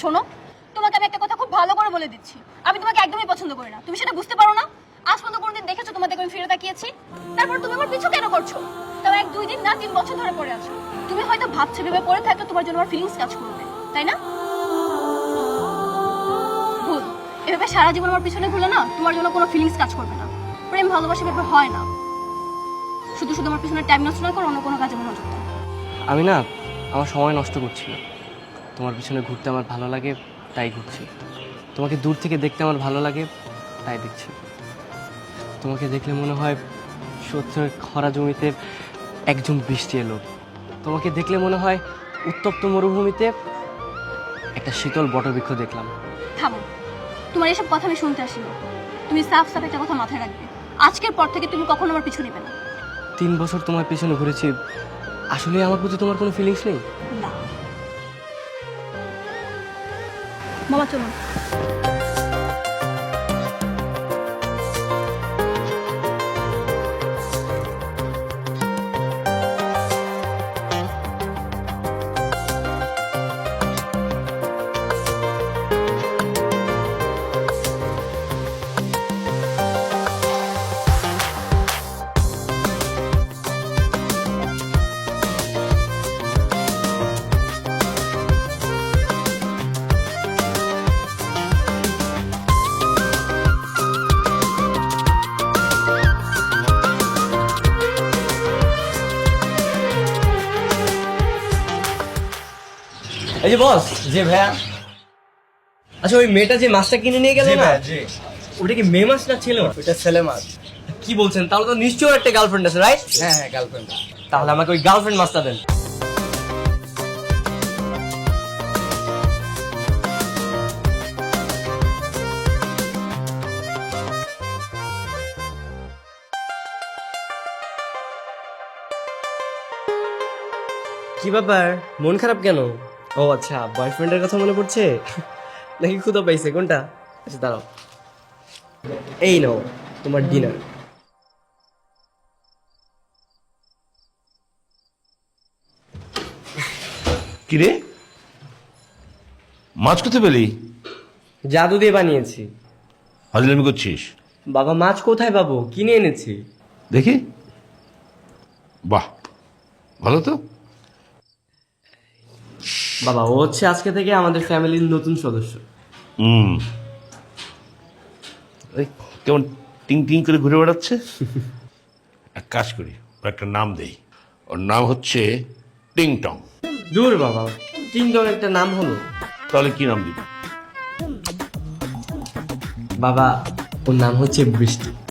শোনো, তোমাকে আমি একটা কথা খুব ভালো করে বলে দিচ্ছি, আমি তোমাকে একদমই পছন্দ করি না। তুমি সেটা বুঝতে পারো না? আজ পর্যন্ত কোনোদিন দেখেছো তোমাদের আমি ফিরে তাকিয়েছি? তারপর তুমি আমার পিছু কেন করছো? তাও 1-2 দিন না 3 বছর ধরে পড়ে আছো। তুমি হয়তো ভাবছো ভেবে পড়ে থাকলে তোমার জন্য আমার ফিলিংস কাজ করবে, তাই না? ভুল। এভাবে সারা জীবন আমার পিছনে ঘুরলে না তোমার জন্য কোনো ফিলিংস কাজ করবে না। প্রেম ভালোবাসা ব্যাপার হয় না। শুধু শুধু আমার পিছনে টাইম নষ্ট না করো, অন্য কোনো কাজে মনোযোগ দাও। আমি না আমার সময় নষ্ট করছি না। তোমার পিছনে ঘুরতে আমার ভালো লাগে, তাই ঘুরছি। তোমাকে দূর থেকে দেখতে আমার ভালো লাগে, তাই দেখছি। তোমাকে দেখলে মনে হয় সত্যের খরা জমিতে একজন বৃষ্টি এলো। তোমাকে দেখলে মনে হয় উত্তপ্ত মরুভূমিতে একটা শীতল বটবৃক্ষ দেখলাম। থামো, তোমার এসব কথা আমি শুনতে আসিনি। তুমি সাফ সাফ একটা কথা মাথায় রাখবে, আজকের পর থেকে তুমি কখনো আমার পিছু নেবে না। 3 বছর তোমার পিছনে ঘুরেছি, আসলে আমার প্রতি তোমার কোনো ফিলিংস নেই? না। মামা চলুন। এই যে বস, যে ভাইয়া, আচ্ছা ওই মেয়েটা যে মাছটা কিনে নিয়ে গেল না, ওটা কি মেয়ে মাছ না ছেলে মাছ? ওটা ছেলে মাছ। কি বলছেন? তাহলে তো নিশ্চয়ই একটা গার্লফ্রেন্ড আছে, রাইট? হ্যাঁ হ্যাঁ, গার্লফ্রেন্ড। তাহলে আমাকে ওই গার্লফ্রেন্ড মাছটা দেন। কি ব্যাপার, মন খারাপ কেন? ও আচ্ছা, বয়ফ্রেন্ডের কথা মনে পড়ছে নাকি ক্ষুধা পাইছে? কোনটা? আচ্ছা দাঁড়াও, এই নাও তোমার ডিনার। কিরে, মাছ কোথায় পেলি? জাদু দিয়ে বানিয়েছি। হাজলামি করছিস? বাবা, মাছ কোথায় পাবো? কিনে এনেছি। দেখি, বাহ, ভালো তো। বাবা, ও হচ্ছে আজকে থেকে আমাদের ফ্যামিলির নতুন সদস্য। হুম, এই কেমন টিং টিং করে ঘুরে বেড়াচ্ছে। এক কাজ করি, ওর একটা নাম দেই। ওর নাম হচ্ছে টিং টং। দূর বাবা, তিনজন একটা নাম হলো। তাহলে কি নাম দিবি? বাবা, ওর নাম হচ্ছে বৃষ্টি।